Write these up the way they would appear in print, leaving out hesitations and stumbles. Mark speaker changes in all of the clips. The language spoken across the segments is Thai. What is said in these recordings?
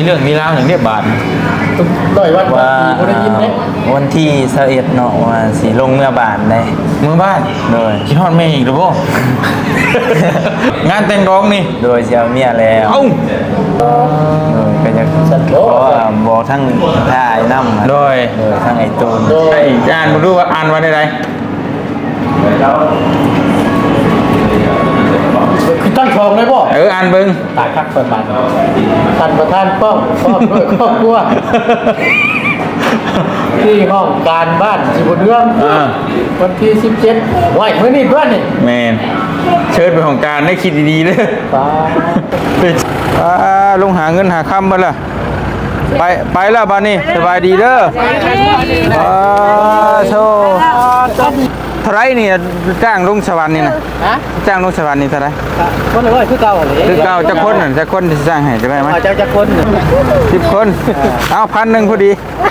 Speaker 1: เรื่องมีราวอย่างเรียบบาท
Speaker 2: ร้อยวัน
Speaker 3: ว่า
Speaker 2: บ่ได้ยินไหม
Speaker 3: วันที่21เนาะว่าสิลงเมื่อบานได้
Speaker 1: เมืองบ้าน
Speaker 3: โดย
Speaker 1: คิดฮอดแม่อีกหรือเปล่า งานแต่งร้องนี่
Speaker 3: โดยเสียเมียแล้ว
Speaker 1: เอ้า
Speaker 3: ก็จะเพราะว่าบอกทั้งท่าไอ้น้ำ
Speaker 1: โดย
Speaker 3: ทั้งไอ้ตูน
Speaker 1: ไอ้อ่านมาดูว่าอ่านว่าได้ไร
Speaker 2: คือตั้งทองเลยบ่
Speaker 1: อ่านเบิ่ง
Speaker 2: ตายคักเปิดบานท่านประธานป้องด้วยครอบครัวที่ห้องการบ้านสิบเรื่องวันที่17ไหวเมื่อนี้เพื่อนนี่
Speaker 1: แมนเชิญไปของการได้คิดดีๆเลย
Speaker 2: ป้า
Speaker 1: ลงหาเงินหาคำมาละไปแล้วบ้านนี้สบายดีเด้อโชว์เท่าไรนี่จ้างลงสวรรค์นี่นะ
Speaker 2: ฮะ
Speaker 1: จ้างลงสวรรค์นี่เท่าไร
Speaker 2: คนละร้อยคือเก่าเลย
Speaker 1: คือเก่าจะคนน่ะจะคนที่จ้างให้จะได้ไหม
Speaker 2: เจ้าจะคน
Speaker 1: 10 คนเอา1,000พอดี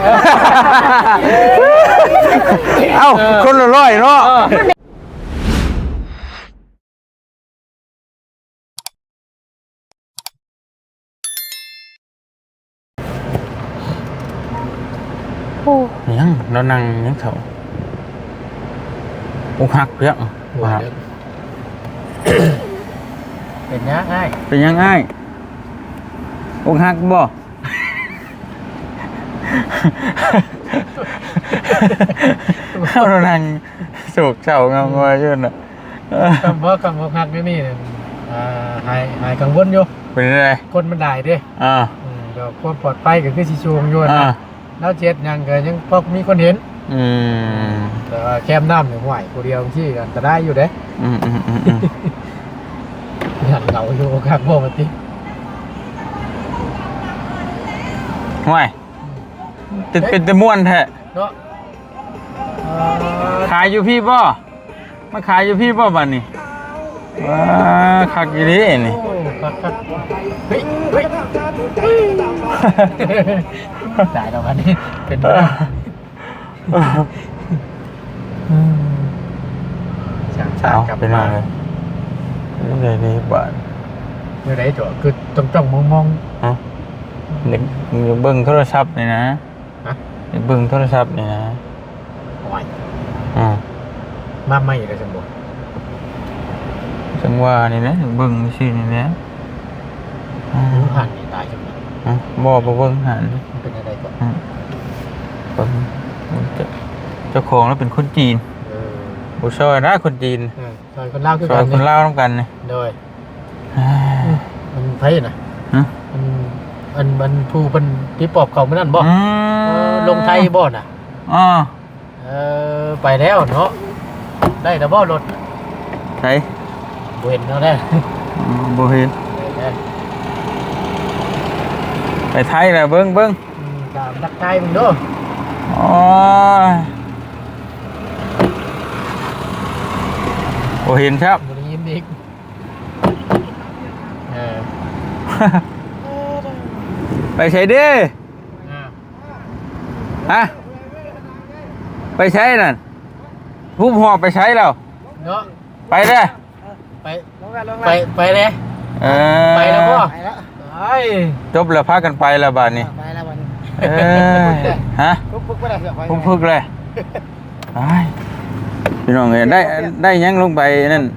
Speaker 1: เอ้าคนละ100เนาะยังเรานั่งยังเถาอกหักเพี้ยง
Speaker 2: เป็นยังไง
Speaker 1: เป็นยังไงอกหักบ่เรานั่งโศกเศร้างงอยอยู่น่ะ
Speaker 2: คำว่าหักนี่หายกังวลอยู่
Speaker 1: เป็นอะไร
Speaker 2: คนมันได้เด้ เดี๋ยวความปลอดภัยก็คือสิชูงอยู่นะแล้วเจ็ดยังก็ยังพอมีคนเห็นแต่ว่าแคมน้ำหนึ่งไหวกูเดียวที่กันจะได้อยู่เด้หันเราอยู่ครับพ่อมาติ
Speaker 1: ห่วยเป็นตะม่วนแท้
Speaker 2: เนาะ
Speaker 1: ขายอยู่พี่บ่มาขายอยู่พี่บ่บัดนี้ว้าคักอยู่ดินี่
Speaker 2: ครับเฮ้ยจ่ายเราวันนี้เป็น
Speaker 1: เอาเป็นอะไรนี่เลยนี่บาท
Speaker 2: เมื่อไรจ๋อคือจ้องมอง
Speaker 1: ฮะเด็กเบิ่งโทรศัพท์นี่นะเด็กเบิ่งโทรศัพท์นี่นะ
Speaker 2: ไหว
Speaker 1: มา
Speaker 2: ไม่เลยสมบูรณ์
Speaker 1: จังว่านี่นะเบิ่งชื่อนี่นะ
Speaker 2: ผ่านนี่ตายจังเลย
Speaker 1: บ่เบิ่งหัน
Speaker 2: เป็นอะไรก่อน
Speaker 1: เจ้าของแล้วเป็นคนจีนบุชอยนะคนจีน
Speaker 2: ซอยคนเล่าคือ
Speaker 1: ซอ
Speaker 2: กั
Speaker 1: ย
Speaker 2: น
Speaker 1: คนเล่าต้องกันนี่
Speaker 2: โดยมันไพ่นะมันผู้เป็นที่ปอบเขาไม่นั่นบ่ลงไทยบ่น่ะไปแล้วเนาะได้แต่บ่รถ
Speaker 1: ใช่
Speaker 2: บ่เห็นเนาะได้
Speaker 1: บ่เห็นไปไทยแหละเบิ่ง
Speaker 2: ตามนักไทยมึงเด้อ
Speaker 1: อ๋อบ่เห็นครับ
Speaker 2: บ่ได้ยินอีก
Speaker 1: ไปใช้ดิฮะไปใช้นั่นผู้หอบไปใช้แล้ว
Speaker 2: เนาะ
Speaker 1: ไปเด้อ
Speaker 2: ไปเลยไปแล้วพ่อ
Speaker 1: จบแล้วพากันไปแล้วบาดนี้
Speaker 2: ไปแล้ววัน
Speaker 1: ฮะ
Speaker 2: พึกไปแล้ว
Speaker 1: ผมพึกเลยพี่น้องเอ้ยได้ยังลงไปนั่น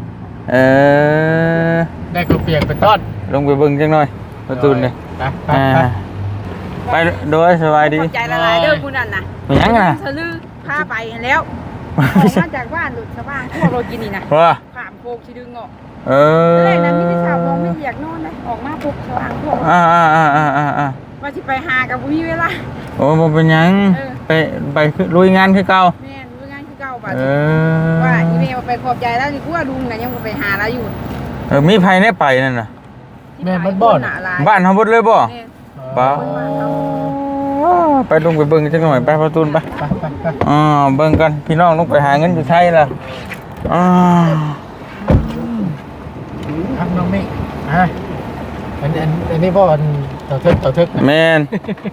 Speaker 2: ได้ก็เปียกเป็นต้น
Speaker 1: ลงไปเบิ่งจังหน่อยประตูนี่ไปโดยสบายดี
Speaker 4: ใจละลายเด้อผู้นั้นน่ะ
Speaker 1: มันยังน่ะ
Speaker 4: ทะลึ่งพาไปแล้วออกมาจากบ้านหลุดชาวบ้านพวกเรากินนี่นะ
Speaker 1: ว่า
Speaker 4: ขามโคกชิดึงออก
Speaker 1: เออ
Speaker 4: แรกนั้นมีที่ชาวมองไม่อยากนอนเลยออกมาปุ๊บชาวบ้านพวกว่าสิไปหากับพี่เวลา
Speaker 1: โอ้บ่เป็นยังไปลุยงานคือเก่า
Speaker 4: แม่รู้งานคือเก่าป่ะ
Speaker 1: ว่า
Speaker 4: อีเมลไปขอบใจแล้วดีกว่าลุงน่ะยังไปหาแล้วอยู่
Speaker 1: มีไผในไปนั่นน่ะ
Speaker 2: แม่มันบ่อน
Speaker 1: บ้านเฮาบ่เลยบ่ป้าไปลงไปเบิ่งจังหน่อยไปประตูไปเบิ่งกันพี่น้องลงไปหาเงินอยู่ไทยล่ะ
Speaker 2: ครับน้องมิอันนี้บ่อนต่อทึก
Speaker 1: แม่น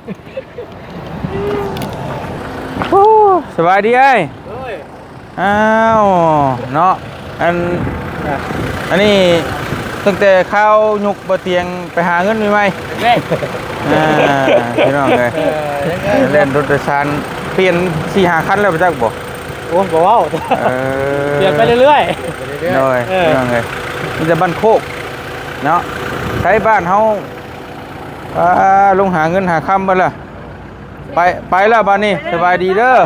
Speaker 1: สบายดีเอ้ยอ้าวเนาะอันนี้ตั้งแต่เข้ายุกบ่เตียงไปหาเงินใหม่ๆพี่น้องเลยเล่นรถโดยสารเปลี่ยน 4-5 คันแล้วไปจักบ่
Speaker 3: โอ้บ่เว้าเปลี่ยนไปเรื่อยๆ
Speaker 1: โดยพี่น้องเลยมันจะบ้านโคกเนาะใช้บ้านเฮาลงหาเงินหาคำบ่ล่ะไปแล้วบ้านนี้สบายดีเด้อ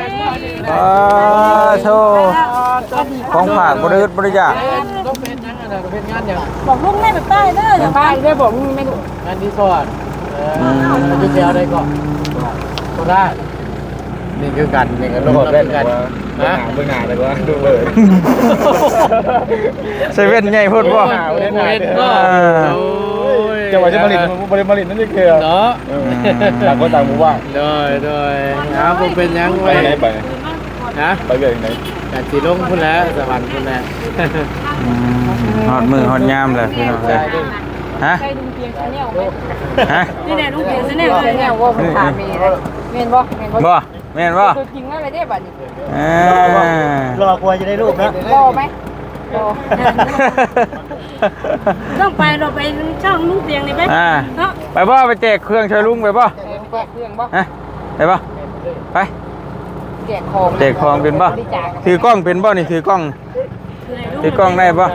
Speaker 1: โชว์ของฝากบริษัทบริจาค
Speaker 2: ต้องเป็นยังไงนะเป็นงานอย่าง
Speaker 4: บอกลุงแม่ไปใต้เด้ออย่าไปได้บอกลุงไม่รู้
Speaker 2: งานที่สอดมันจะแถวได้ก่อนก็ได้นี่คือกันนี่ก็ลงเป็นกันนะเบื้องหน้าเลยว่าดูเลย
Speaker 1: เซเว่นใหญ่พูดบ่
Speaker 3: จะว่าจะผลิตนั่นนี่คือเนาะต่างคนต่างหมู่บ้าน
Speaker 2: ด้วยนะผมเป็นยังไงไปนะไปเรื่อยไหนแต่สีลงพุ่นแล้วสวรรค์พุ่นแล้ว
Speaker 1: ฮอดมือฮอดยามเลยพี่น้องเลยฮะ
Speaker 4: ใช่ลุงเพียงชาแนลไหม
Speaker 1: ฮะ
Speaker 4: นี่แน่ลุงเพียงชาแนลชาแนลว่าผมถามมีเลยเมนบ่เมนบ่
Speaker 1: บ่แม่นบ่
Speaker 4: ตัวจริงแล้วอะไรได้บัดนี้
Speaker 3: รอกลัวจะได้รูปนะ
Speaker 4: บ่ไหมบ่ต้องไปเราไปช่องลุงเพียงนี่ไหมเนาะ
Speaker 1: ไปบ่ไปแจกเครื่องช่วยลุงไปบ่
Speaker 4: แจกเครื่องบ่
Speaker 1: ฮะไปบ่ไป
Speaker 4: แจกของ
Speaker 1: แจกของเป็นบ่ถือกล้องเป็นบ่นี่ถือกล้องได้บ่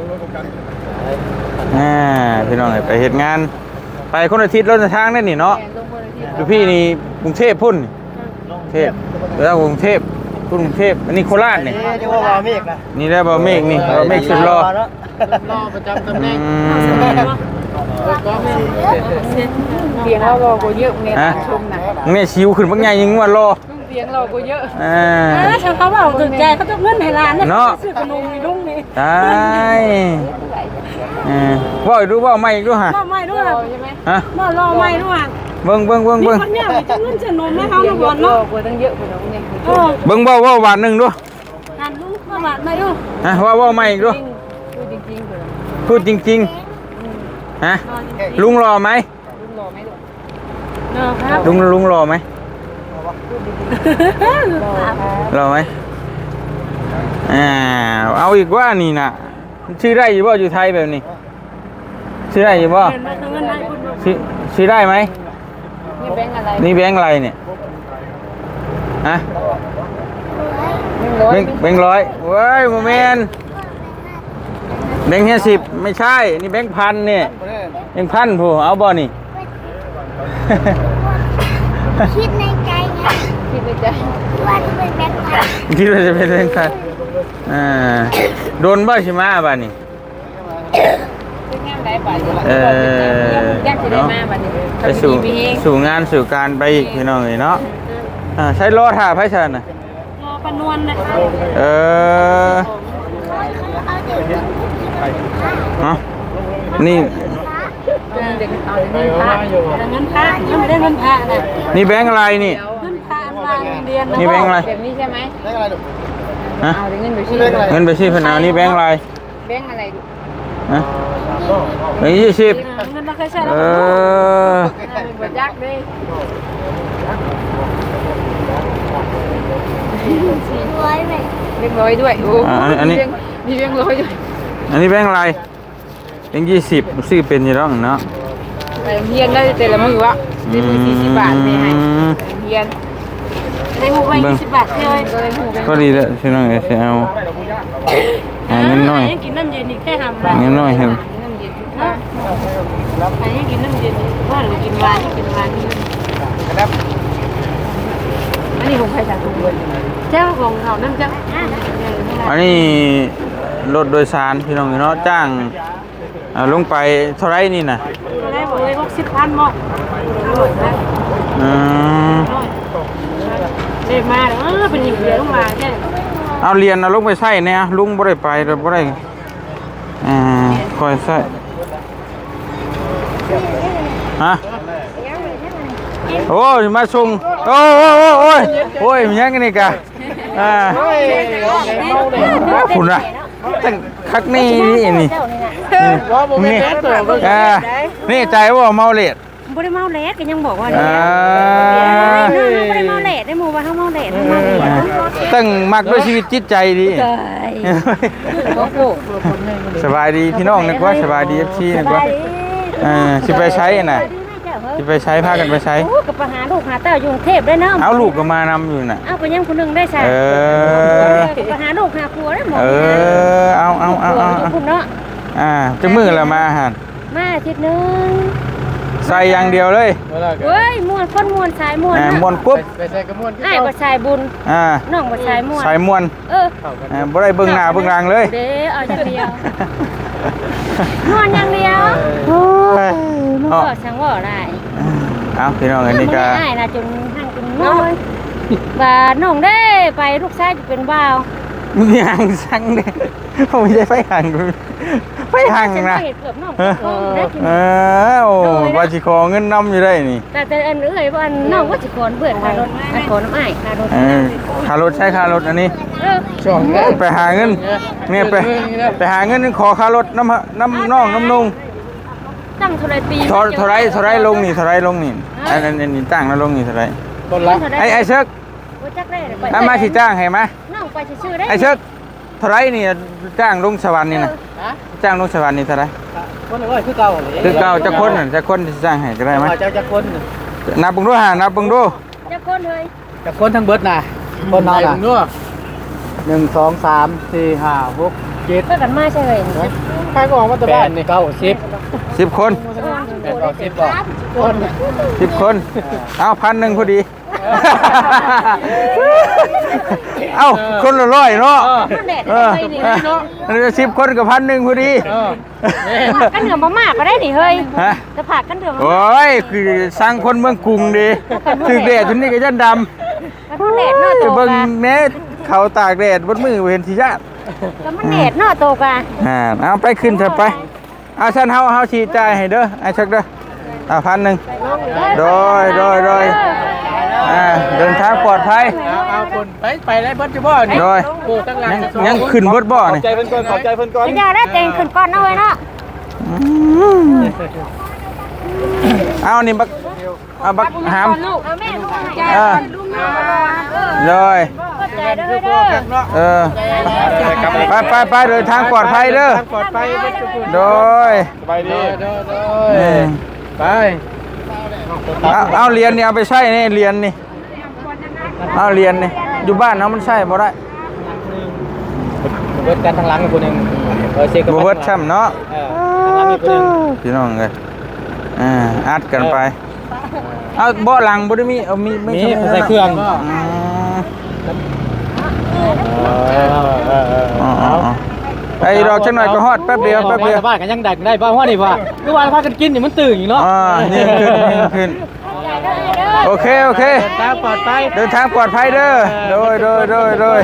Speaker 1: พี่น้องไปเฮ็ดงานไปคนอาทิตย์รถทางนั่นนี่เนาะดูพี่นี่กรุงเทพพุ่นเทพแล้วกรุงเทพกรุงเทพอันนี้โคราชนี่
Speaker 3: จะว่าบ่เมฆนะ
Speaker 1: นี่ได้บ่เมฆนี่บ่เมฆสุดรอ
Speaker 2: รอประจำตำแหน่งก็ไม่
Speaker 4: เพียงเรารอกูเยอะเมนชมนะ
Speaker 1: เนี่ยชิวขึ้นบักใหญ่ยิงว่า รอ
Speaker 4: เพียงเรากูเยอะฉันเขาบอกถึงใจเขาต้องเงินให้ร้านนะซื้อขนมมีลุงนี่
Speaker 1: ตายว่าดูว่าไม่ดูฮะ
Speaker 4: รอไม่ด้วยใช่ไหม
Speaker 1: ฮะ
Speaker 4: รอไม่ด้วย
Speaker 1: เบิ่ง
Speaker 4: นี่คนเนี่ยจะเงินจะนมให้เขาหนูบอลเนาะกูตั้งเยอะขนมเนี่ย
Speaker 1: เบิ่งว่าบาทหนึ่งดู
Speaker 4: หันลุงมาบาทไม่ดู
Speaker 1: ฮะว่าไม่ดู
Speaker 4: พูดจริงๆเลย
Speaker 1: พูดจริงๆฮะลุงรอไหม
Speaker 4: ลุงรอไหมลูกเนาะครับ
Speaker 1: ลุงรอไหมรอไหมเอาอีกว่านี่นะชื่อได้อยู่บ่อยู่ไทยแบบนี้ชื่อได้อยู่บ่ชื่อได้ไหม
Speaker 4: นี่แบงอะไร
Speaker 1: นี่แบงค์อะไรเนี่ยฮะแบงค์ร้อยเว้ยโมเมนแบงค์50ไม่ใช่นี่แบงค์พันเนี่ยแบงค์พันผู้เอาบ่นี่
Speaker 5: คิดในใจไง
Speaker 4: คิดในใจ
Speaker 5: ว่าจะเป็นแบงค์พัน
Speaker 1: คิดว่าจะเป็นแบงค์พันโดนบ่ใช่ไหมบ้านี่
Speaker 4: เป็นงานได้ป่ะยากจะได้มาบัดนี้
Speaker 1: ไปสู่งานสู่การไปอีกพี่น้องเนาะใช้รอถ่าไพ่ชันน่ะ
Speaker 4: รอปนวลนะ
Speaker 1: เนาะนี่
Speaker 4: เด็กเอาเงินพระยังไม่ได้เงินพระนะ
Speaker 1: นี่แบงค์อะไรนี่
Speaker 4: เงินพระมาเรียน
Speaker 1: นี่แบงค์อะไร
Speaker 4: แบบนี้ใช่ไหม
Speaker 2: ได้อะไรดู
Speaker 1: ฮะ
Speaker 4: เอาเงินไปชี้
Speaker 1: เงินไปชีพนานี่แบงค์อะไร
Speaker 4: แบงอะไรดู
Speaker 1: ฮะแบงค์20
Speaker 4: เงินมาเคยใช้แล้วเป็นบทยากเลย
Speaker 5: ร้อยไหม
Speaker 4: เรียบร้อยด้วยโอ้มีเรียบร้อยด้วย
Speaker 1: อันนี้แบงค์อะไรแบงค์20ซื้อเป็นอยี่ร้องเนาะ
Speaker 4: ไปเฮียนได้แต่ละมื้อวะได้มื้อ40 บาทไม่ให้เฮียนได้หมู่ไป20 บาทเลยก็ได้หมู่ไป
Speaker 1: ก็ดีแล้วพี่น้องเสียเอาเงินน้อย
Speaker 4: กินน้ำเย็นอีกแค่ทำ
Speaker 1: เงินน้อยเห็น
Speaker 4: น้ำเย็นนะใครให้กินน้ำเย็นว่าหรือกินวานกินวานอันนี้ของใครสั่งถุงเลยเจ้าของเขาน้ำเจ้า
Speaker 1: อันนี้รถโดยสารพี่น้องเนาะจ้างลงไปเท่าไรนี่น่ะ
Speaker 4: ได้บอกเลย60,000บอกเด็กมาเป็นอย่างเดียวต้องมาแค่
Speaker 1: เอาเรียนเอาลงไปใส่เนี่ยลุงบ่ได้ไปเราบ่ได้คอยใส่ฮะโอ้ยมาส่งโอ้ยมีหยังกันนี่กะคุณน่ะตั้งคักนี่นี่นี่ใจว่าเมาเลด
Speaker 4: บ่ได้เมาแหลกก็ยังบอกว่า
Speaker 1: อ่า
Speaker 4: น้องบ่ได้เมาแหลกได้หมู่ว่าเฮาเมาแหลกเฮาเมาแหลก
Speaker 1: ตั้งมักด้วยชีวิตจิตใจดี
Speaker 4: เอ้ยโอ้โห
Speaker 1: สบายดีพี่น้องนึกว่าสบายดี FC นึกว่าสิไปใช้น่ะสิไปใช้พากันไปใช้
Speaker 4: โอ้ก็ไปหาลูกหาเต้าอยู่กรุงเทพได้เนาะ
Speaker 1: เอาลูกก็มานำอยู่น่ะ
Speaker 4: เอาก็ยังคนนึงได้ใช่
Speaker 1: เออ
Speaker 4: ไปหาลูกหาผัวได้หมด
Speaker 1: เอา
Speaker 4: คุณเนาะ
Speaker 1: จักมือละมาอาหาร
Speaker 4: มาอาทิตย์นึง
Speaker 1: ใส่อย่างเดียวเลย
Speaker 4: เฮ้ยม่วนคนม่วนสายม่วน
Speaker 1: มวนกุ๊บ
Speaker 2: ไปใส่กระมวล
Speaker 4: อ้ายบ่ชายบุญ น้องบ่ชายม่วน
Speaker 1: ใส่มวน บ่ได้เบิ่งหน้าเบิ่งหลังเลย
Speaker 4: เด้เอาอย่างเดียวม่วนอย่างเดียว
Speaker 1: เนาะ
Speaker 4: ก็ช่างว่าได้
Speaker 1: เอาพี่น้องอันนี้ก็
Speaker 4: ง่ายนะจนหั่งจนน้อยว่าน้องได้ไปลูกชายจะเป็นบ่าว
Speaker 1: มึงห่างสั่งเด้ผมไม่ใช่ไฟห่างไฟห่างนะ
Speaker 4: เห็ดเกือบน้องได้กิน
Speaker 1: โอ้ว่าสิขอเงินนำอยู่ได้นี่
Speaker 4: แต่อันเอ้ยว่าน้องว่าสิขอนเบื่อค่ารถขอน้ำอ้ายค่ารถ
Speaker 1: ค่ารถใช้ค่ารถอันนี้
Speaker 2: ช่วง
Speaker 1: ไปหาเงินเนี่ยไปหาเงินขอค่ารถน้ำน้องน้ำนุ่ง
Speaker 4: ตั้งเท่าไรปี
Speaker 1: เท่าไรลงนี่เท่าไรลงนี่อันนี้จ้างแล้วลงนี่เท่าไร
Speaker 2: ต้นละ
Speaker 1: ไอ้เชิก
Speaker 4: ว่าจักได้
Speaker 1: ถ้ามาสิจ้างให้มา
Speaker 4: น้องไปชื่อได้
Speaker 1: ไอ้เชิกเท่าไรนี่จ้างลงสวรรค์นี่นะจ้างลงสวรรค์นี่เท่าไร
Speaker 2: คนเลยคือเก่าเลย
Speaker 1: คือเก่าจะคนจะคนที่จ้างให้ก็ได้ไหม
Speaker 2: เจ้าจะคน
Speaker 1: นับบึงดูหานับบึงดู
Speaker 4: จะคนเลย
Speaker 2: จะคนทั้งเบิดน่ะคนนอนน่ะ1 2 3 4 5 6 7
Speaker 4: เพื่อกันมาใช่เลย
Speaker 2: ใครก็ออกมาจากบ้านนี่
Speaker 1: 10
Speaker 2: 10
Speaker 1: คน
Speaker 2: 10ก่อนคน
Speaker 1: 10 คนเอา1,000พอดี เอ้าคนละร้อยเนาะ
Speaker 4: มันแดดได้นี่เนาะ
Speaker 1: 10 คนกับ1,000พอดี
Speaker 4: กันเหนือมากก็ได้นี่เฮ้ย
Speaker 1: ฮะ
Speaker 4: จะผักกันเหนือ
Speaker 1: โอ้ยคือสร้างคนเมืองกรุงดีถึกแดดทุนนี้ก็ยันดำ
Speaker 4: มันแดดเนาะโต
Speaker 1: จะเบิ่ง
Speaker 4: กะ
Speaker 1: แน่เขาตากแดดบนมือเห็นที่ญาติ
Speaker 4: ก็มันแดดเนาะโตกะ
Speaker 1: เอาไปขึ้นเถอะไปเอาฉันเฮาชี้จ่ายให้เด้อไอ้ชักเด้อ1,000โดยเดินทางปลอดภัย
Speaker 2: เอาคนไปได้เบิดจะบ่นี่
Speaker 1: โดย
Speaker 2: โอ้ตั้งหลัง
Speaker 1: ยังขึ้นบดบ่นี่
Speaker 2: ใจเพิ่นก่อนขอบใจเพิ่นก่อน
Speaker 4: จะได้เต็งขึ้นก่อนนะเว้ยเนาะ
Speaker 1: เอานี่บักเอาบักหาม
Speaker 4: เอาแม่ลูกใจ
Speaker 1: ลูกเลย
Speaker 4: ใจเด้อเด้อ
Speaker 1: ไปเดินทางปลอดภัยเด้อ
Speaker 2: ปลอดภัย
Speaker 1: โดย
Speaker 2: สบายดีไป
Speaker 1: เอาเรียนนี่เอาไปใช้นี่เรียนนี่เอาเรียนนี่อยู่บ้านเฮามันใช้บ่ได้
Speaker 2: เบิดกันทางหลังคนนึงเช็ค
Speaker 1: บ่เบิดช้ำเนาะ
Speaker 2: ทางหลังคนนึง
Speaker 1: พี่น้องเอ้ยอัดกันไปเอาเบาะหลังบ่ได้มีเอามีไม่
Speaker 2: ใส่เครื่อง
Speaker 1: ไอ้ดอกจังหน่อยก็ฮอดแป๊บเดียว
Speaker 2: บ้านกันยังดักได้บ้านว่านี่ว่าเมื่อวานพากันกินนี่มันตื่นอยู่เนาะ
Speaker 1: นี่ขึ้นโอเค
Speaker 2: ทางปลอดภัย
Speaker 1: เดินทางปลอดภัยเด้อโดย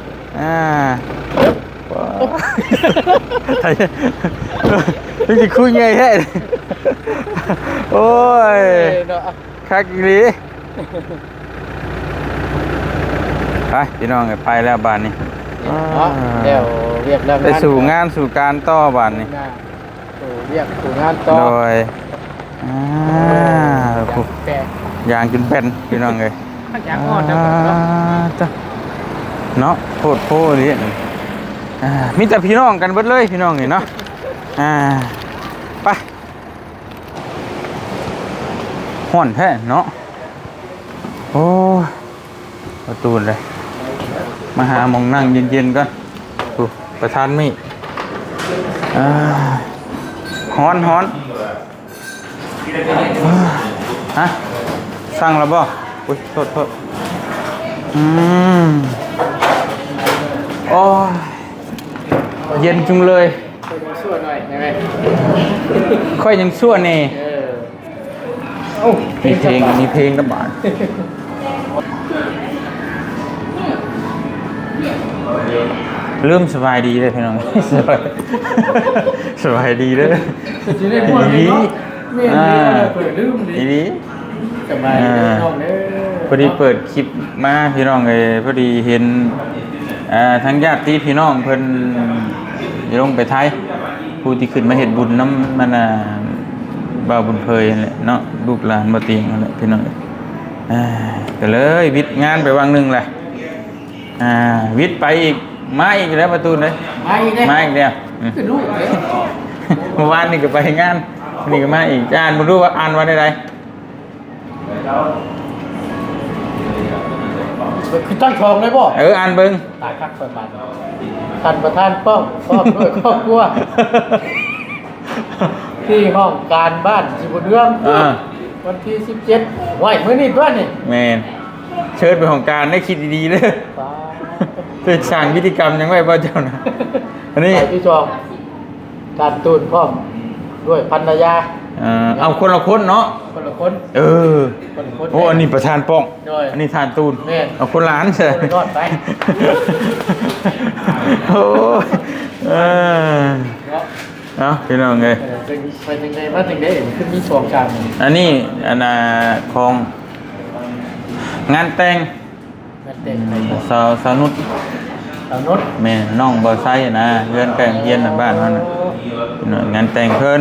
Speaker 1: นี่จะคุยไงแท้โอ้ยคักอีหลีไปพี่น้องไปแล้วบ้านนี้
Speaker 2: เดี๋ยวเรียกเรื่อง
Speaker 1: ไปสู่งานสู่การต่อบ้านนี้
Speaker 2: เรียกสู่งานต่อ
Speaker 1: โดยอย่างจนเป็นพี่น้องเลย
Speaker 2: อย่างอ่อนนะ
Speaker 1: เนาะโคตรโพนี่มีแต่พี่น้องกันเบิดเลยพี่น้องนี่เนาะไปห่อนแท้เนาะโอ้ประตูเลยมาหาหมองนั่งเย็นๆก่อนประธานมีฮ้อนฮะสั่งแล้วบ่อุ้ยโทษโอ้เย็นจุงเลย
Speaker 2: ช่วยหน่อยได้ไหม
Speaker 1: ค่อยยังชั่วเน่มีเพลงระบาดเริ่มสบายดีเลยพี่น้องสบายดีเลยดี
Speaker 2: สบายน้องเด้อ
Speaker 1: พอดีเปิดคลิปมาพี่น้องเลยพอดีเห็นทั้งญาติพี่น้องเพิ่นลงไปไทยผู้ที่ขึ้นมาเฮ็ดบุญน้ำมันบ่าวบุญเพยนั่นแหละเนาะลูกหลานบ่เตียงนั่นแหละพี่น้องก็เลยวิทย์งานไปวังหนึงแหละวิทย์ไปอีกมาอีกแล้วประตูเลยมาอีกแล้ว
Speaker 2: คือลูกเลย
Speaker 1: เมื่อวานนี่ก็ไปงานนี่ก็มาอีกอ่านบ่รู้ว่าอ่านว่าได้ใด
Speaker 2: คือตั้งทองเลยบ่
Speaker 1: อ่านเบิ่ง
Speaker 2: ตายคักเปิดบาทท่านประธานป้อมด้วยครอบครัวที่ห้องการบ้านสิบุญเรื่องวันที่17ไหวมื้อนี้ด้วยนี่
Speaker 1: แม่นเชิญไปของการได้คิดดีๆเด้อเป็นสร้างพิธีกรรมยังไว้บ่เจ้านะอันนี้
Speaker 2: ที่จองการตูนพร้อมด้วยภรรยา
Speaker 1: เอาคนละคนเนาะ
Speaker 2: คนละคน คนละคน
Speaker 1: โอ้อันนี้ประธานป้อง
Speaker 2: ด้วย
Speaker 1: อันนี้ทานตูน
Speaker 2: แม่น
Speaker 1: เอาคนล้านใช่
Speaker 2: รอดไป
Speaker 1: โอ้เอาพี่น้องเลย
Speaker 2: ไปถึงไหนมาถึงได้ขึ้นมีสองจาน
Speaker 1: อันนี้อันของงานแต่ง
Speaker 2: นั่นเต็มไป
Speaker 1: สาวนุช
Speaker 2: สาวนุช
Speaker 1: แม่น้องบ่ไซนะเพื่อนแกล้งเฮียนบ้านเฮาน่ะงานแต่งเพิ่น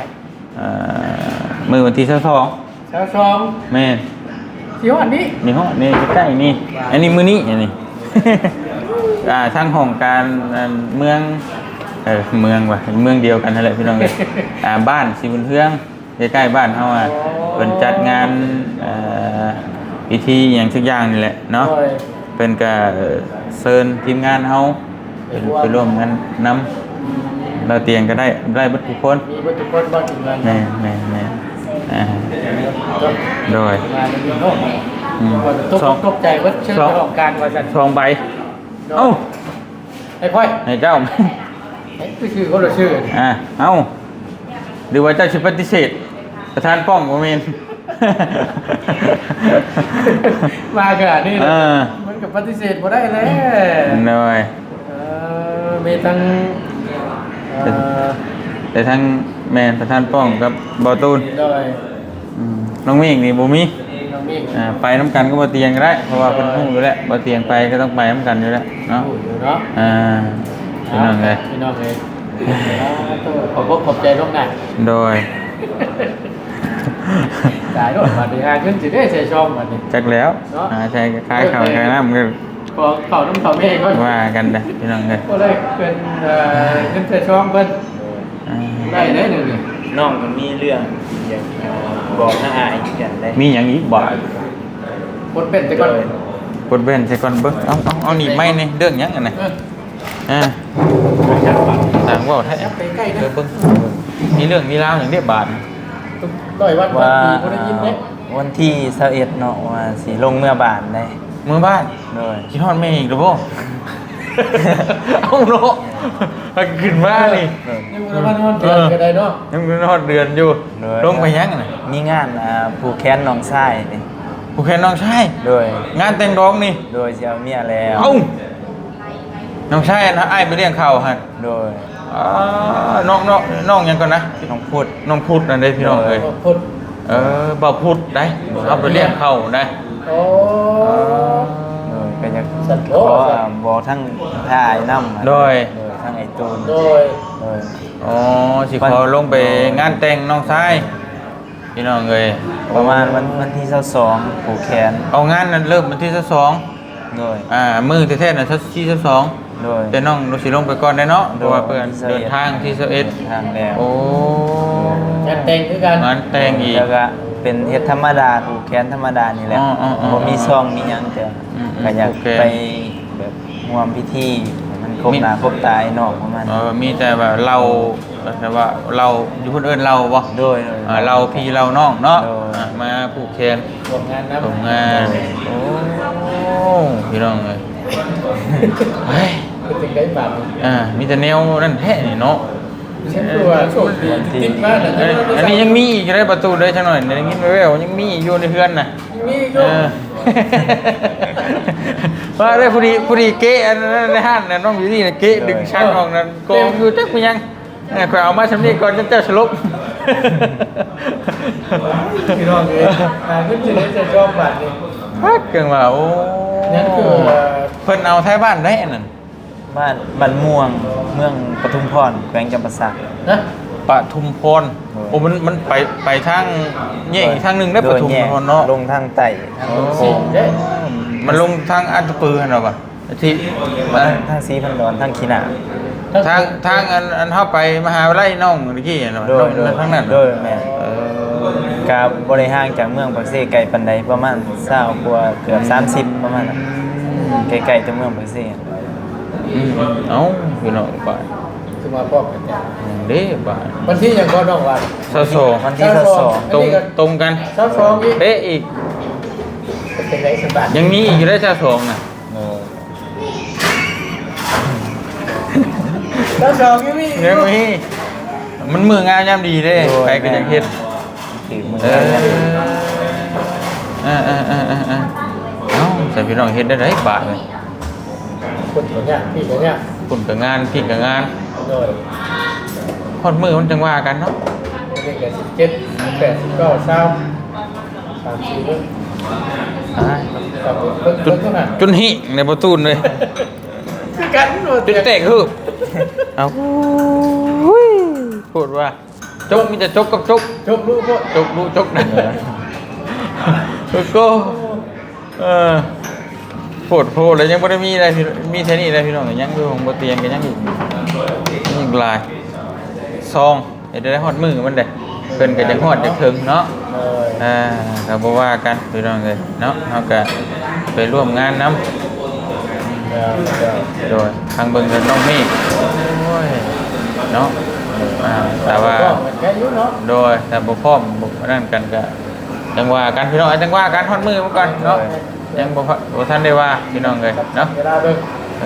Speaker 1: มื้อวันที่22
Speaker 2: สาวสอง
Speaker 1: แม่
Speaker 2: เสียวอันนี้
Speaker 1: นี่ฮะนี่ใกล้ๆนี่อันนี้มื้อนี้อันนี้ ทางห้องการเมืองเมืองว่ะเมืองเดียวกันนั่นแหละพี่น้องเอ้ย บ้านสีบุญเทืองใกล้ๆบ้านเฮาเพิ่นจัดงานพิธีหยังสักอย่างนี่แหละเนาะเพิ่นก็เชิญทีมงานเฮาไปร่วมงานนำเราเตียงก็ได้เบิดทุกคน
Speaker 2: มีวัตถุคนบ้านถึงงาน
Speaker 1: แม่โดย
Speaker 2: มาในเมืองโลกตกใจว่าชื่อของการว่าสัน
Speaker 1: 2ใบเอ้า
Speaker 2: ไอ้พ่อย
Speaker 1: ให้เจ้า
Speaker 2: ไอ้ชื่อเขาเราชื่อ
Speaker 1: เอ้าหรือว่าเจ้าชิปฏิเสธประธานป้อมโมเมน
Speaker 2: มาขนาดนี้มันกับปฏิเสธบ่ได้เลย
Speaker 1: หน่อย
Speaker 2: มีทั้ง
Speaker 1: แต่ทั้งแมนประธานป้อมกับบอตูน
Speaker 2: โดย
Speaker 1: น้องมิ่งนี่บูมี
Speaker 2: น้องมิ่ง
Speaker 1: ไปน้ำกันก็บอเตียงก็ได้เพราะว่าเป็นห้องอยู่แล้วบอเตียงไปก็ต้องไปน้ำกันอยู่แล้วเนาะ
Speaker 2: อยู่เนาะ
Speaker 1: พี่น้องเลย
Speaker 2: พี่น้องเลยขอบใจลูกหน่อย
Speaker 1: โดย
Speaker 2: จ่ายด้วยมาดีฮะขึ้นสิได้ใส่ช่องมาดิ
Speaker 1: จักแล้วใช่คล้ายข่าวคล้ายน้ำกัน
Speaker 2: พอเข่าน้ำเข่าแม่ก็
Speaker 1: ว่ากันนะพี่น้องเลย
Speaker 2: ก็เลยเป็นขึ้นใส่ช่องเพิ่นได้หนึ่งนี่
Speaker 3: น้องมันมีเรื่องอยากบอกน้าอายกันได้
Speaker 1: มีอย่างอีกบ่าย
Speaker 2: คนเป็นแต่ก่อน
Speaker 1: กดเว้นใส่ก่อนเบิ้งเอาหนีบไม้นี่เรื่องหยังกันนะต่างว่าแท้
Speaker 2: ไปใกล้นะ
Speaker 1: เบิ้งมีเรื่องมีราวอย่างเรียบบาท
Speaker 2: ร้อยวัน
Speaker 3: ว่า
Speaker 2: ปีคนได้ยินไหม
Speaker 3: วันที่21เนาะว่าสิลงเมื่อบานได้
Speaker 1: เมื่อบ้าน
Speaker 3: โดย
Speaker 1: คิดฮอดแม่อีกหรือเปล่า เอาเนาะขึ้นมานี่
Speaker 2: ยังมันเดือนก็ได้เนาะ
Speaker 1: ยังเป็นฮอดเดือนอยู่ลงไปยังน่ะ
Speaker 3: มีงานผูกแขนน้องชายนี่
Speaker 1: ผู้แค่น้องชาย
Speaker 3: โดย
Speaker 1: งานแต่งร้องนี่
Speaker 3: โดยสิเอาเมียแล้ว
Speaker 1: เอ้าน้องชายนะไอ้ายไปเลี้ยงข้าวฮะ
Speaker 3: โดย
Speaker 1: น้องยังก่อนนะ
Speaker 3: น้องพุด
Speaker 1: น้องพุทธนั่นได้พี่น้องเอ้ย
Speaker 2: คน
Speaker 1: บ่าวพุทธได้เอาไปเลี้ยงข้าวได้
Speaker 2: โอ้
Speaker 3: โดยก็จะ
Speaker 2: สัตว์
Speaker 3: ข
Speaker 2: โล
Speaker 3: อบอกทั้งท่าไอ้น้ำ
Speaker 1: โดย
Speaker 3: โดยทั้งไอ้ตูน
Speaker 2: โดย
Speaker 3: โดย
Speaker 1: อ๋อสิขอลงไปงานแต่งน้องชายพี่น้องเอ้ย
Speaker 3: ประมาณวันที่22ผูกแขน
Speaker 1: เอางานนั้นเริ่มวันที่22
Speaker 3: โดย
Speaker 1: มือแท้ๆน่ะที่22
Speaker 3: โดย
Speaker 1: แต่น้องเราสิลงไปก่อนได้เนาะเพราะว่าเพื่อน
Speaker 3: ที่21
Speaker 1: เดินทางที่11
Speaker 3: ทางแล้ว
Speaker 1: โอ้
Speaker 2: จัดแต่งคือกัน
Speaker 1: งานแต่งอีก
Speaker 3: แล้วก็เป็นเฮ็ดธรรมดาผูกแขนธรรมดานี่แหละ
Speaker 1: อ๋อๆๆ
Speaker 3: บ่มีซองมีหยังแต่
Speaker 1: อืมๆ
Speaker 3: ก็อยาก
Speaker 1: โอเค
Speaker 3: ไปแบบร่วมพิธีให้มันครบหน้าครบตาไอ้น้องประมาณนี้
Speaker 1: มีแต่แบบเราแต่ว่าเราอยู่คนอื่นเราบ่
Speaker 3: โดย
Speaker 1: เราพี่เราน้องเนาะ
Speaker 3: โดย
Speaker 1: มาผูกแขน
Speaker 2: ร่วมงานนะ
Speaker 1: ส่งงานโอ้พี่น้องเลยเฮ้ย
Speaker 2: ถึงได้บาท
Speaker 1: มีแต่แนวนั่นแท้นี่เนาะ
Speaker 2: ฉันตัวโชคดีติดมากนะ
Speaker 1: อันนี้ยังมีอีกได้ประตูได้จังหน่อยได้ยินแว่วๆยังมีอีกอยู่ในเฮือนน่ะ
Speaker 2: มีก็
Speaker 1: ว่าได้ผู้ดีเกะอันนั้นในห้างน่ะน้องอยู่นี่น่ะเกะดึงชักออกนั่นโกงอยู่จักเป็นยังข่อยเอามาสำนีก่อนจะเจ้าสลบ
Speaker 2: พี่น้องเลยขึ้นจะได้จะชอบบาทนี่
Speaker 1: พักเกินว่าโอ้
Speaker 2: นั่นคือ
Speaker 1: เพิ่นเอาท้ายบ้านได้อันนั้น
Speaker 3: บ้านม่วงเมืองปทุมพรแขวงจำปาสัก
Speaker 2: นะ
Speaker 1: บปทุมพรโอ้มันไปทางแยกอีกทางหนึงได้ปทุมพรเนาะ
Speaker 3: ลงทางใต้ทางโค้ง
Speaker 1: มันลงทางอันตะปือหั่นเหรอปะที่
Speaker 3: ทางสีพันดอนทางขีหนา
Speaker 1: ทางอันเข้าไปมหาวิทยาลัยน้องเมื่อกี้เห็นบ่
Speaker 3: โดย
Speaker 1: ทางนั้น
Speaker 3: โดยแม่กับบริห่างจากเมืองปักเซ่ไกลปันใดประมาณ20กว่าเกือบ30ประมาณนั้นไกลๆจากเมืองปักเซ่
Speaker 1: เอ้าพี่น้องบ่าย
Speaker 2: คือมาพร้อมกันเนี่ย
Speaker 1: เด้บ่าย
Speaker 2: วันที่ยังก็น้องวัน
Speaker 3: วันที่22
Speaker 1: ตรงกัน
Speaker 2: ซับซ้อนอีก
Speaker 1: เป๊ะอีก
Speaker 2: เป็นไรสบาย
Speaker 1: ยังมีอีกอยู่ได้ชาสองน่ะ
Speaker 2: ซับซ้อนยังมี
Speaker 1: ยังมีมันมืองานยามดีเด้ไปก็ยังเฮ็ด
Speaker 3: ถือมือ
Speaker 1: เอ้าใส่พี่น้องเฮ็ดได้ไรบาทเลย
Speaker 2: คนตัวเนี้ยพี่ตัวเนี้ย
Speaker 1: คุณกับงานพี่กับงาน
Speaker 2: โดย
Speaker 1: ฮอดมือมันจังว่ากันเนาะ
Speaker 2: เด็ก17 18 19 20 30เบิ่ง
Speaker 1: อ่า
Speaker 2: เบิ่ง
Speaker 1: จุด
Speaker 2: เท่านั้น
Speaker 1: จุดหิในประตูเลย
Speaker 2: คือกันโดด
Speaker 1: จุดแตกคือเอาพูดว่าจกมีแต่จกกับจก
Speaker 2: จบลูกก็
Speaker 1: จกรู้จกนะก็โพดเลยยังไม่ได้มีอะไรมีแค่นี้อะไรพี่น้องยังอยู่ของบเตียงกันยังอยู่นี่ลายซองเดี๋ยวได้ฮอดมือมันเด้เพิ่นก็จะฮอดจะถึงเนาะก็บ่ว่ากันพี่น้องเลยเนาะเฮาก็ไปร่วมงานนำโดยทางเบิ่งกันน้องมีโอ้ยเนาะแต่ว่า
Speaker 2: แค่อยู่เนาะ
Speaker 1: โดยแต่บ่พร้อมบ่นั่นกันก็จังว่ากันพี่น้องจังว่ากันฮอดมือมาก่อนเนาะยังบ่ทันได้ว่าพี่น้องเลยเนาะ
Speaker 2: เวลาเบิ่ง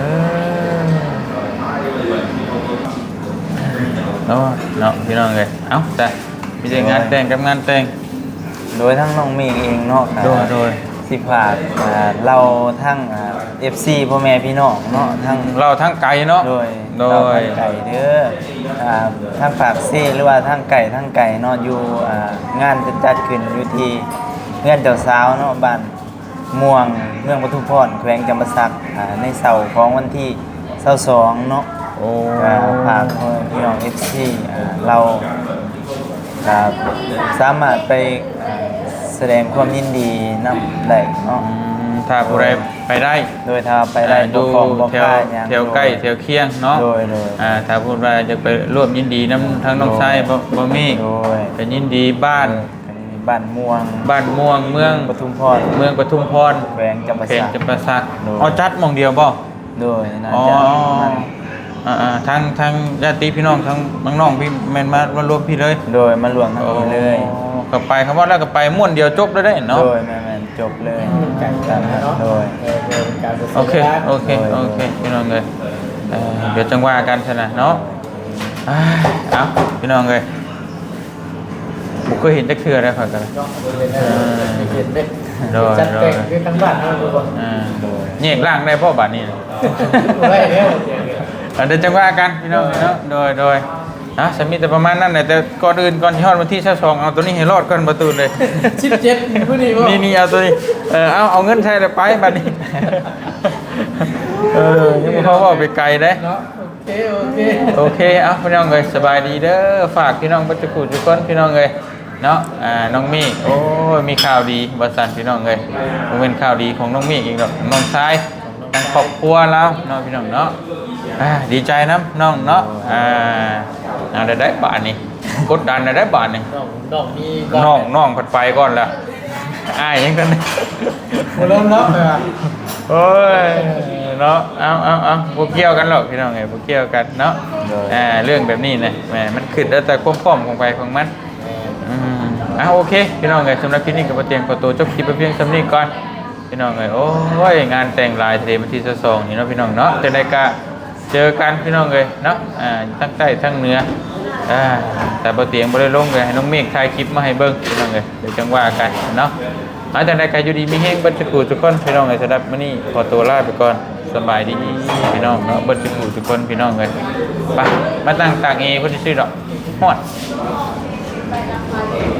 Speaker 1: เนาะพี่น้องเลยเอ้าแต่มีแต่งานแต่งกับงานแต่ง
Speaker 3: โดยทั้งน้องเมฆเองเนาะ
Speaker 1: โดย
Speaker 3: สิฝากเราทั้งFC พ่อแม่พี่น้องเนาะทั้ง
Speaker 1: เราทั้งไกลเนาะ
Speaker 3: โดย
Speaker 1: โด
Speaker 3: เรา
Speaker 1: ย
Speaker 3: ทั้งไก่เด้อทั้งปากซี่หรือว่าทั้งไก่เนาะอยู่งานจะจัดขึ้นอยู่ที่เงื่อนเจ้าสาวเนาะบ้านม่วงเมืองปทุมพรแขวงจำปาสักในเสาร์ของวันที่22เนาะ
Speaker 1: โอ้
Speaker 3: ฝากพี่น้อง FC เราสามารถไปแสดงความยินดีนำได้เนาะ
Speaker 1: ถ้าผู้ใดไปได้
Speaker 3: โดยถ้าไปได้
Speaker 1: ดู
Speaker 3: ของบ่
Speaker 1: แถว
Speaker 3: ค่าหยัง
Speaker 1: แถวใกล้แถวเคียงเนาะ
Speaker 3: โดย
Speaker 1: ถ้าพูดว่าจะไปร่วมยินดีน้ำทั้งน้องชายบ่มี
Speaker 3: โดย
Speaker 1: เป็นยินดีบ้าน
Speaker 3: บ้านม่วง
Speaker 1: บ้านม่วงเมือง
Speaker 3: ปทุมพร
Speaker 1: เมืองปทุมพร
Speaker 3: แขวงจำปา
Speaker 1: เขต
Speaker 3: สัก
Speaker 1: จำปาสัก
Speaker 3: โดย
Speaker 1: เอาจัดหมองเดียวบ่
Speaker 3: โดยน่า
Speaker 1: อ๋อ
Speaker 3: จะมัน
Speaker 1: ทางญาติพี่น้องทางน้องพี่แม่นมารวมพี่เลย
Speaker 3: โดยมารวมทั้งนี้เลย
Speaker 1: ก็ไปคำว่าแล้วก็ไปม่วนเดียวจบแล้วได้เนาะ
Speaker 3: โดยแม่นจบเลย
Speaker 2: ไก่กันเนาะ
Speaker 3: โดย
Speaker 2: การ
Speaker 1: โอเคพี่น้องเลยเดี๋ยวจังว่ากันซะนะเนาะเอาพี่น้องเลยบุกเคยเห็นจักเทื่อได้ข่อยกันเลย
Speaker 2: เห็นไหม
Speaker 1: โดย
Speaker 2: จัดแต่งคือทั้งบ้านทั้งทุกคน
Speaker 1: แยกร่างได้พ่อบาดนี้นะ
Speaker 2: ได้แล้ว
Speaker 1: เดี๋ยวจังว่ากันพี่น้องเนาะโดยนะสมิแต่ประมาณนั้นแหละแต่ก่อนอื่นก่อนที่ฮอดวันที่22เอาตัวนี้ให้รอดก่อนประตูเลย
Speaker 2: 17ผู้นี้บ่
Speaker 1: นี่เอาตัวนี้เอาเงินใช้เลยไปบัดนี้ยังบ่พอว่าไปไกลเด้
Speaker 2: เนาะโอเค
Speaker 1: เอาพี่น้องเลยสบายดีเด้อฝากพี่น้องบัจจุกุทุกคนพี่น้องเลยเนาะน้องมี่โอ้ยมีข่าวดีบัสันพี่น้องเลยมันเป็นข่าวดีของน้องมี่อีกดอกน้องชายทางครอบครัวแล้วเนาะพี่น้องเนาะดีใจนะน้องเนาะได้บาทนี่กดดันได้บาทนี่
Speaker 2: น้องมี
Speaker 1: น้องผัดไปก่อนละยังกัน
Speaker 2: เริ่มแล้ว
Speaker 1: โอ้ยเนาะเอาพวกเกี่ยวกันหรอกพี่น้องไงพวกเกี่ยวกันเนาะเรื่องแบบนี้นะแหมมันขึ้นแล้วแต่ความพร้อมของไปของมันโอเคพี่น้องไงสำหรับคลิปนี้กับเตียงประตูจบคลิปไปเพียงสำนี้ก่อนพี่น้องไงโอ้ยงานแต่งลายทะเลมันที่22นี่เนาะพี่น้องเนาะจะได้กะเจอกันพี่น้องเลยเนาะทั้งใต้ทั้งเหนือแต่ประเตียงบ่ได้ลงเลยให้น้องเมฆถ่ายคลิปมาให้เบิ่งพี่น้องเลยเดี๋ยวจังว่ากันเนาะแต่ในการอยู่ดีมีแห้งบัตรกูทุกคนพี่น้องเลยสำหรับมื้อนี้ขอตัวลาไปก่อนสบายดีพี่น้องเนาะบัตรกูทุกคนพี่น้องเลยไปมาตั้งตากเอคนที่ชื่อดอกฮอด